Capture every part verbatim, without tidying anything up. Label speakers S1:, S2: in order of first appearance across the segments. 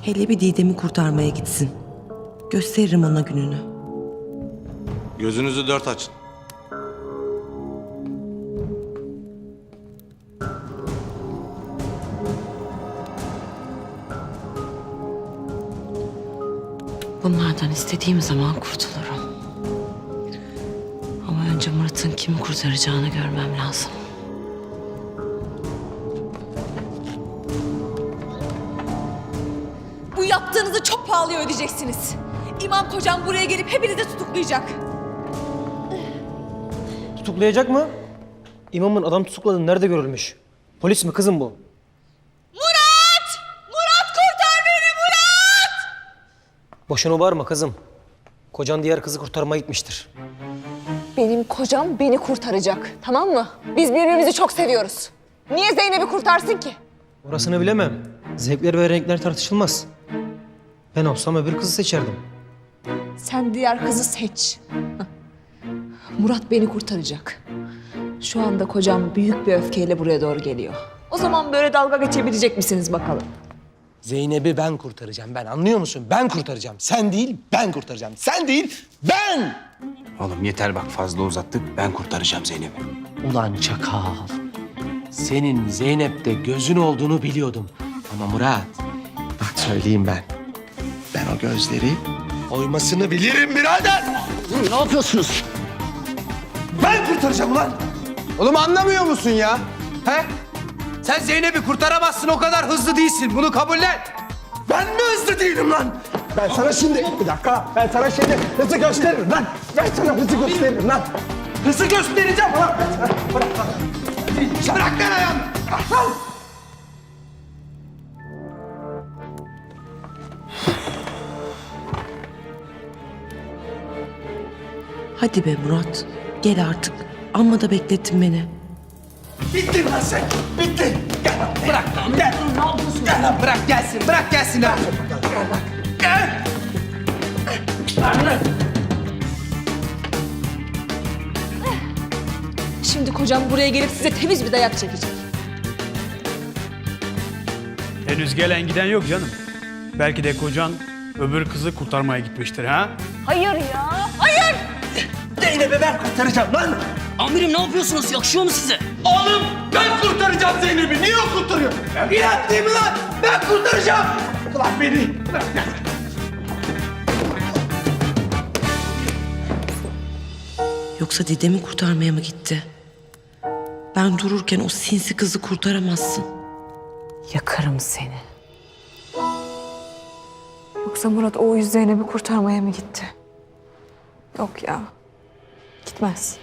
S1: Hele bir Didem'i kurtarmaya gitsin. Gösteririm ona gününü.
S2: Gözünüzü dört açın.
S1: Bunlardan istediğim zaman kurtulurum. Ama önce Murat'ın kimi kurtaracağını görmem lazım.
S3: Bu yaptığınızı çok pahalıya ödeyeceksiniz. İmam kocam buraya gelip hepinizi tutuklayacak.
S4: Tutuklayacak mı? İmamın adam tutukladığını nerede görülmüş? Polis mi kızım bu?
S3: Murat! Murat kurtar beni Murat!
S4: Boşuna bağırma kızım. Kocan diğer kızı kurtarmaya gitmiştir.
S3: Benim kocam beni kurtaracak, tamam mı? Biz birbirimizi çok seviyoruz. Niye Zeynep'i kurtarsın ki?
S4: Orasını bilemem. Zevkler ve renkler tartışılmaz. Ben olsam öbür kızı seçerdim.
S3: Sen diğer kızı seç. Murat beni kurtaracak. Şu anda kocam büyük bir öfkeyle buraya doğru geliyor. O zaman böyle dalga geçebilecek misiniz bakalım?
S5: Zeynep'i ben kurtaracağım, ben anlıyor musun? Ben kurtaracağım. Sen değil, ben kurtaracağım. Sen değil, ben!
S6: Oğlum yeter bak fazla uzattık. Ben kurtaracağım Zeynep'i.
S5: Ulan çakal. Senin Zeynep'te gözün olduğunu biliyordum. Ama Murat, bak söyleyeyim ben. Ben o gözleri oymasını bilirim birader.
S6: Ne yapıyorsunuz?
S5: Ben kurtaracağım ulan.
S6: Oğlum anlamıyor musun ya? He? Sen Zeynep'i kurtaramazsın, o kadar hızlı değilsin. Bunu kabullen.
S5: Ben mi hızlı değilim lan? Ben sana şimdi, bir dakika, ben sana şimdi hızı gösteririm lan. Ben sana hızı gösteririm lan. Hızı göstereceğim lan. Bırak lan. Bırak lan ayağımı. Bırak lan.
S1: Hadi be Murat. Gel artık. Amma da beklettin beni.
S5: Bittin lan sen. Bittin. Gel lan. Bırak lan. Gel. Ne yapıyorsun? Gel lan.
S6: Bırak gelsin, bırak gelsin lan.
S5: Gel lan. Gel. Gel.
S3: Şimdi kocam buraya gelip size temiz bir dayak çekecek.
S7: Henüz gelen giden yok canım. Belki de kocan öbür kızı kurtarmaya gitmiştir ha?
S3: Hayır ya, hayır!
S5: Zeynep'i ben kurtaracağım lan.
S8: Amirim ne yapıyorsunuz? Yakışıyor mu size?
S5: Oğlum ben kurtaracağım Zeynep'i. Niye o kurtarıyor? İnat değil mi lan? Ben kurtaracağım. Ulan beni. Bırak gel.
S1: Yoksa Didem'i kurtarmaya mı gitti? Ben dururken o sinsi kızı kurtaramazsın. Yakarım seni.
S3: Yoksa Murat o yüz Zeynep'i kurtarmaya mı gitti? Yok ya, gitmez.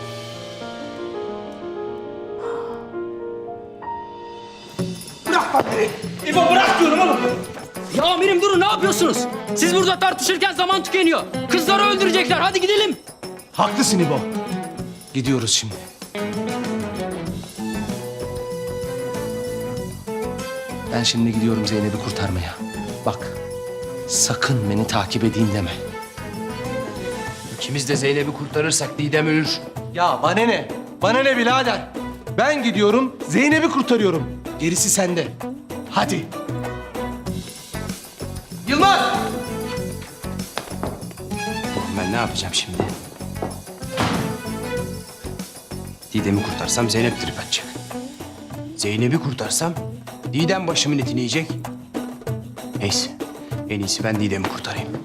S5: Bırak lan beni. İbo bırak diyorum oğlum.
S8: Ya amirim durun ne yapıyorsunuz? Siz burada tartışırken zaman tükeniyor. Kızları öldürecekler hadi gidelim.
S5: Haklısın İbo. Gidiyoruz şimdi. Ben şimdi gidiyorum Zeynep'i kurtarmaya. Bak, sakın beni takip edeyim deme.
S6: İkimiz de Zeynep'i kurtarırsak Didem ölür.
S5: Ya bana ne? Bana ne birader? Ben gidiyorum, Zeynep'i kurtarıyorum. Gerisi sende. Hadi. Yılmaz!
S6: Ben ne yapacağım şimdi? Didem'i kurtarsam Zeynep trip atacak. Zeynep'i kurtarsam Didem başımın etini yiyecek. Neyse, en iyisi ben Didem'i kurtarayım.